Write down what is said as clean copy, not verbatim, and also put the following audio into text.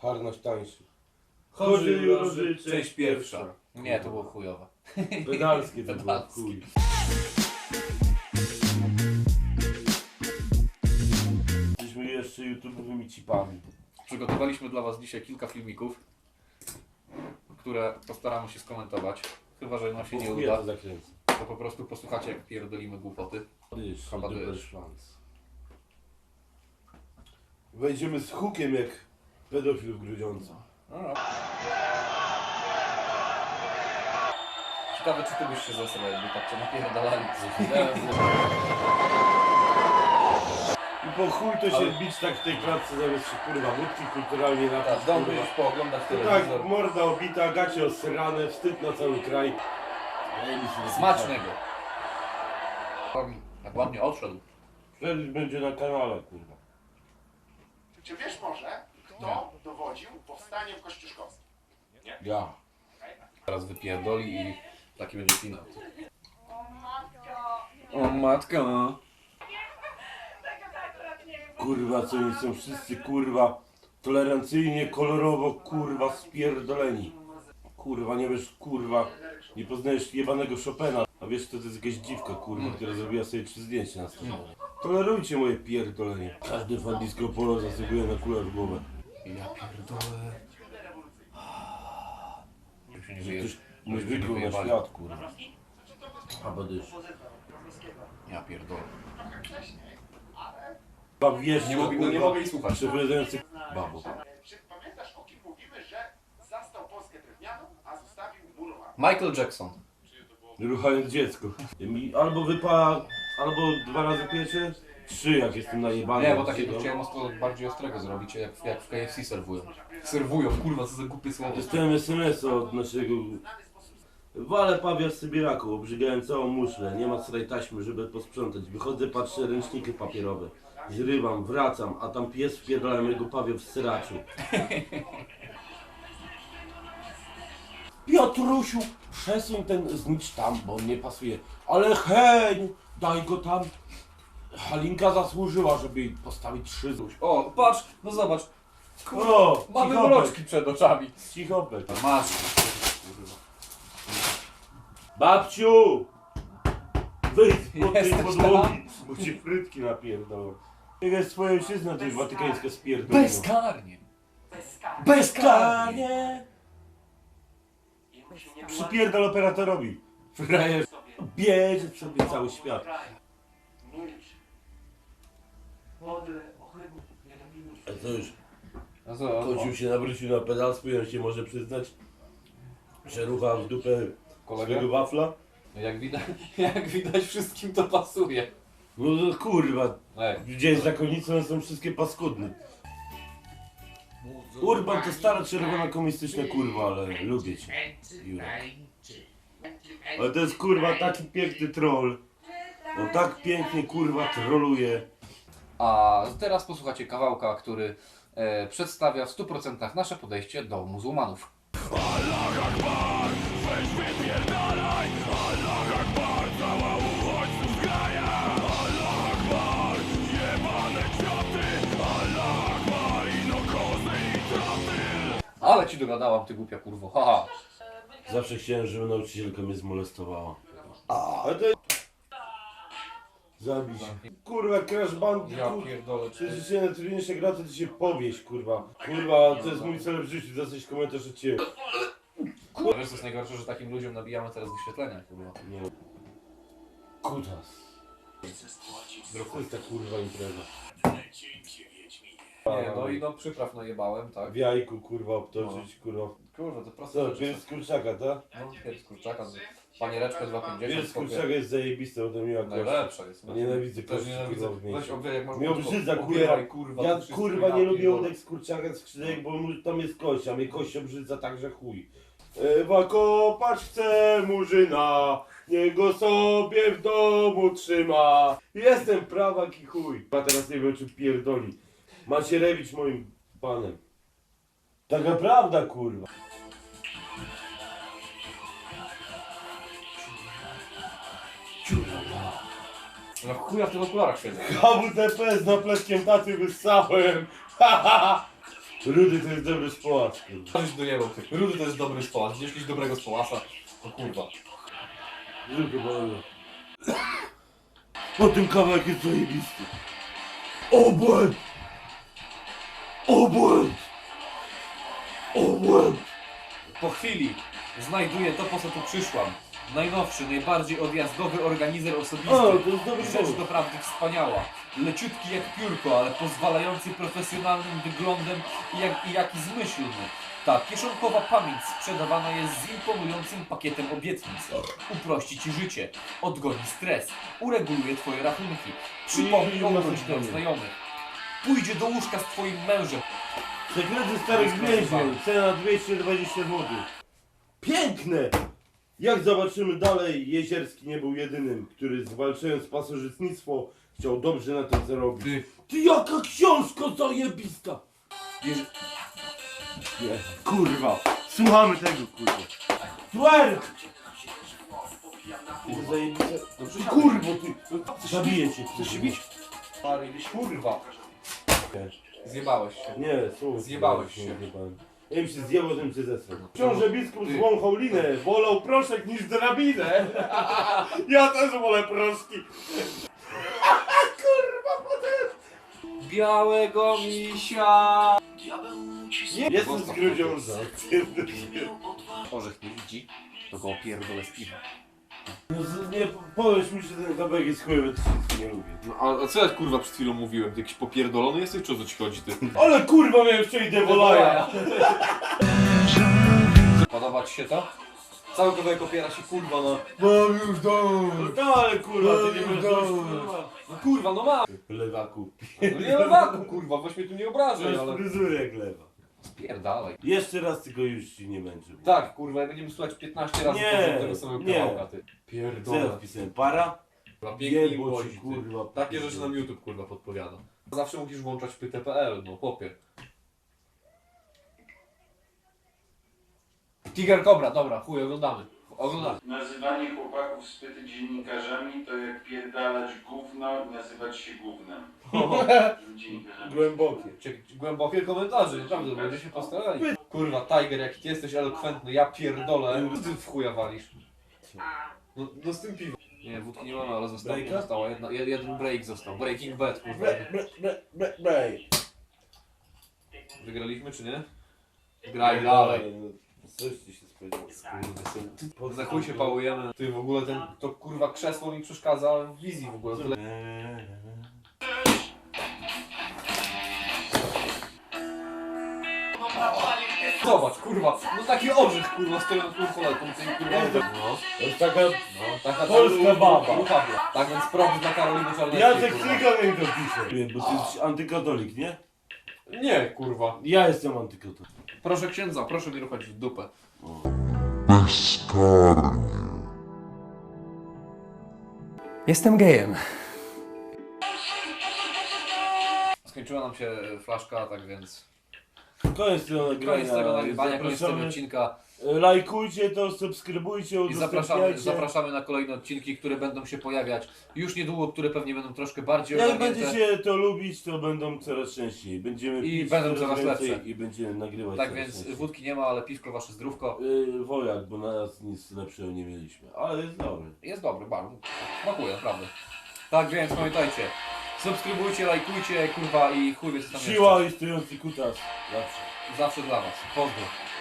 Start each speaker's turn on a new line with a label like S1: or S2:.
S1: Harnaś tańszy.
S2: Chorzy Jurorzy, część pierwsza.
S3: Nie, to było chujowe.
S1: Pedalskie to było,
S3: Pedalskie.
S1: chuj. Jesteśmy jeszcze YouTube'owymi cipami.
S3: Przygotowaliśmy dla Was dzisiaj kilka filmików, które postaramy się skomentować. Chyba że nam się nie
S1: Chuja
S3: uda,
S1: to zakręcę.
S3: to po prostu posłuchacie, jak pierdolimy głupoty. Chyba dysz.
S1: Wejdziemy z hukiem jak pedofil w Grudziądzu.
S3: Ciekawe, czy Ty byś się zesrał, jakby tak Cię napierdalali.
S1: I po chuj to się bić tak w tej klatce zamiast się kurwa wódki kulturalnie
S3: Tak,
S1: napić.
S3: dom
S1: kurwa.
S3: już pooglądać
S1: Tak,
S3: telewizor.
S1: morda obita, gacie osrane, wstyd na cały kraj.
S3: Smacznego. Jak ładnie odszedł.
S1: Wtedy będzie na kanale, kurwa.
S4: Czy wiesz może, kto dowodził powstaniem kościuszkowskim?
S1: Ja.
S3: Teraz wypierdoli i taki będzie finał. O matko.
S1: Kurwa, co oni są wszyscy, kurwa, tolerancyjnie, kolorowo, kurwa, spierdoleni. Kurwa, nie wiesz, kurwa, nie poznajesz jebanego Chopina, a wiesz, to jest jakaś dziwka, kurwa, która zrobiła sobie 3 zdjęcia na stronę. Tolerujcie moje pierdolenie. Każdy fan disco polo zasługuje na kulę w głowę.
S3: Ja pierdolę. Się nie
S1: Ktoś
S3: wyje-
S1: nie
S3: się
S1: wykluł na
S3: wyjebali.
S1: świat, kurwa. A badysz.
S3: Ja pierdolę.
S1: Wiesz,
S3: Nie mogę jej słuchać.
S1: przepowiadający babo.
S4: Czy pamiętasz, o kim mówimy, że zastał Polskę drewnianą, a zostawił murowaną?
S3: Michael Jackson.
S1: Ruchając dziecko. Mi albo wypala, albo 2 razy piecze, 3 jak jestem najebany.
S3: Nie, bo takiego chciałem bardziej ostrego zrobić, jak w KFC serwują. Serwują, kurwa, co za głupie słowo.
S1: Dostałem SMS od naszego... Walę pawia z Sybiraku, obrzygałem całą muszlę, nie ma srej taśmy, żeby posprzątać. Wychodzę, patrzę, ręczniki papierowe. Zrywam, wracam, a tam pies wpierdala mego pawia w syraczu. Piotrusiu, przesuń ten znicz tam, bo on nie pasuje. Ale hej, daj go tam. Halinka zasłużyła, żeby jej postawić 3 zuś.
S3: O, patrz, no zobacz.
S1: O,
S3: Mamy
S1: cichopek,
S3: mroczki przed oczami.
S1: cichopek.
S3: Masz.
S1: Babciu! Wyjdź pod tej
S3: Jesteś
S1: podłogi, bo ci frytki napierdolą. Jak jest twoja ojczyzna, to jest watykańska spierdolona.
S3: Bezkarnie.
S1: Bezkarnie! Przypierdol operatorowi. Frajer bierze w sobie cały świat.
S4: Milcz. Podle, ohydny, nie dopilnuj.
S1: A co już?
S3: No co?
S1: Kocił się nawrócił na pedalstwo i on się może przyznać, że rucha w dupę swojego
S3: Kolega?
S1: wafla?
S3: Jak widać wszystkim to pasuje.
S1: No to kurwa,
S3: Ej.
S1: gdzie jest zakonnicą, one są wszystkie paskudne. Urban to stara czerwona komunistyczna kurwa, ale lubię cię, Jurek. Ale to jest kurwa taki piękny troll. On tak pięknie kurwa troluje.
S3: A teraz posłuchacie kawałka, który przedstawia w 100% nasze podejście do muzułmanów. Ale ci dogadałam, ty głupia kurwo, haha.
S1: Zawsze chciałem, żeby nauczycielka mnie zmolestowała. Ale to... Zabić. Kurwa, Crash Bandicoot.
S3: pierdolę.
S1: Czy się na trudniejsze gra, to ty się powieś, kurwa. Kurwa, to jest mój cel w życiu, dostać komentarz od ciebie.
S3: Wiesz co jest najgorsze, że takim ludziom nabijamy teraz wyświetlenia, kurwa.
S1: Nie. Kutas. To jest ta kurwa impreza.
S3: Nie, no i no przypraw najebałem, tak.
S1: W jajku, kurwa, obtoczyć, kurwa.
S3: Kurwa, to proste
S1: Co,
S3: rzeczy.
S1: pierś z kurczaka, tak?
S3: No, pierś z kurczaka, paniereczkę
S1: Pierś z
S3: 2,50.
S1: kurczaka jest zajebiste, bo to miła kość.
S3: Najlepsza jest.
S1: Nienawidzę
S3: Też
S1: kości,
S3: nienawidzę.
S1: kurwa, w
S3: Weź
S1: mięsie.
S3: obieraj, jak masz
S1: Mnie
S3: łóżko.
S1: obrzydza,
S3: Obieraj,
S1: kurwa.
S3: to
S1: Ja
S3: wszystko,
S1: kurwa nie lubię
S3: pierdolę.
S1: udek z kurczaka, z skrzydełek, bo tam jest kość, a mnie kość obrzydza także chuj. Ewa kopać chce murzyna, niech go sobie w domu trzyma. Jestem prawak i chuj. A teraz nie wiem, czy pierdoli. Macierewicz moim panem. Taka prawda, kurwa.
S3: No chuja w tych okularach siedzę.
S1: HWTP z napletkiem taty wyssałem. Ha, ha, ha. Rudy to jest dobry społacz, kurwa.
S3: Żeś dojebał ty. Rudy to jest dobry społacz. Gdzieś jakiś dobrego społacza. O kurwa.
S1: Tylko powiem. Po tym kawałek jest zajebisty. Obłęd! Obłęd! Obłęd!
S3: Po chwili znajduję to, po co tu przyszłam. Najnowszy, najbardziej odjazdowy organizer osobisty.
S1: O, to jest dobry
S3: Rzecz
S1: pomysł.
S3: doprawdy wspaniała. Leciutki jak piórko, ale pozwalający profesjonalnym wyglądem i jaki zmyślny. Ta kieszonkowa pamięć sprzedawana jest z imponującym pakietem obietnic. Uprości Ci życie, odgoni stres, ureguluje Twoje rachunki, przypomni o urodzinach znajomych. Pójdzie do łóżka z Twoim mężem.
S1: Sekrety starych więźniów. Cena 220 zł. Piękne! Jak zobaczymy dalej, Jezierski nie był jedynym, który zwalczając pasożytnictwo chciał dobrze na tym zarobić. Ty jaka książka zajebista! Nie, kurwa, słuchamy tego, kurwa. Twerk! Ty zajebiste. Ty kurwo, ty. Zabiję cię.
S3: Chcesz się bić? Kurwa. Zjebałeś się.
S1: Nie, słuchaj.
S3: Zjebałeś się.
S1: Zjebałem. Ja im się zjebał, żebym cię zesrał. Książę biskup zwąchał linę, wolał proszek niż drabinę. Ja też wolę proszki.
S3: Białego misia.
S1: Jestem z Grudziądza.
S3: Orzech nie widzi, to go opierdolę z piwa.
S1: No, nie powiesz mi, że ten kawałek jest chujowy, to wszystko nie lubię.
S2: No, a co ja kurwa przed chwilą mówiłem? Ty jakiś popierdolony jesteś, czy o co ci chodzi ty?
S1: Ale kurwa miałem wczoraj Devolaja.
S3: Podoba Ci się to? Cały kawałek opiera się kurwa na...
S1: Mam już dom. No ale kurwa, ty nie będziesz kurwa.
S3: No kurwa, no ma!
S1: Lewaku.
S3: No nie lewaku kurwa, weź mnie tu nie obrażaj,
S1: Masz
S3: ale...
S1: fryzurę jak lewa.
S3: Spierdalaj.
S1: Jeszcze raz tylko już ci nie męczę.
S3: Tak, kurwa, jak będziemy słuchać 15 razy
S1: Nie,
S3: powiem tego samego
S1: nie.
S3: kawałka, ty.
S1: Co ja
S3: Pierdolę.
S1: wpisałem? Para?
S3: Kurwa, pięknie i
S1: Jebo
S3: głosi,
S1: ci,
S3: ty.
S1: kurwa.
S3: Takie rzeczy nam YouTube kurwa podpowiada. Zawsze musisz włączać pyte.pl, no chłopie. Tiger Cobra, dobra, chuj, oglądamy. Oglądamy.
S5: Nazywanie chłopaków z pyty dziennikarzami to jak pierdalać gówno i nazywać się gównem. Dziennikarzami.
S1: Głębokie.
S3: Głębokie komentarze, naprawdę, będzie się postarali. Kurwa, Tiger, jaki ty jesteś elokwentny, ja pierdolę. Ty w chuja walisz. No z tym piwem. Nie, wódki nie mamy, ale
S1: Breaka?
S3: została jeden break został. Breaking Bad, kurwa. Wygraliśmy czy nie? Graj dalej.
S1: Coś ci się spodziewało.
S3: Za chuj się pałujemy. Ty w ogóle to kurwa krzesło mi przeszkadza w wizji w ogóle. Zobacz, kurwa, no taki orzech kurwa stoi nad kurkoletką, tej kurwa. No,
S1: To jest taka...
S3: taka
S1: Polska baba.
S3: Tak więc props dla Karoliny Czarneckiej.
S1: Jacek
S3: kurwa.
S1: Cyganek to pisze. Bo ty jesteś antykatolik, nie?
S3: Nie, kurwa.
S1: Ja jestem antykatolik.
S3: Proszę księdza, proszę mi ruchać w dupę.
S6: Jestem gejem.
S3: Skończyła nam się flaszka, tak więc
S1: Koniec tego nagrania.
S3: koniec tego nagrywania, koniec tego
S1: Zapraszamy.
S3: odcinka.
S1: Lajkujcie to, subskrybujcie,
S3: I
S1: udostępniajcie.
S3: zapraszamy na kolejne odcinki, które będą się pojawiać już niedługo, które pewnie będą troszkę bardziej
S1: Jak
S3: ogarnięte.
S1: będziecie to lubić, to będą coraz częściej. Będziemy
S3: I
S1: pić
S3: będą coraz
S1: więcej
S3: lepsze.
S1: i będziemy nagrywać
S3: Tak
S1: coraz
S3: więc
S1: częściej.
S3: wódki nie ma, ale piwko wasze zdrówko.
S1: Wojak, bo na nas nic lepszego nie mieliśmy. Ale jest dobry.
S3: Jest dobry, bardzo. Smakuje, naprawdę. Tak więc pamiętajcie, subskrybujcie, lajkujcie, kurwa i chuj wie co tam
S1: Siła i stojący kutas. Zawsze.
S3: jeszcze. Zawsze dla was. Pozdro.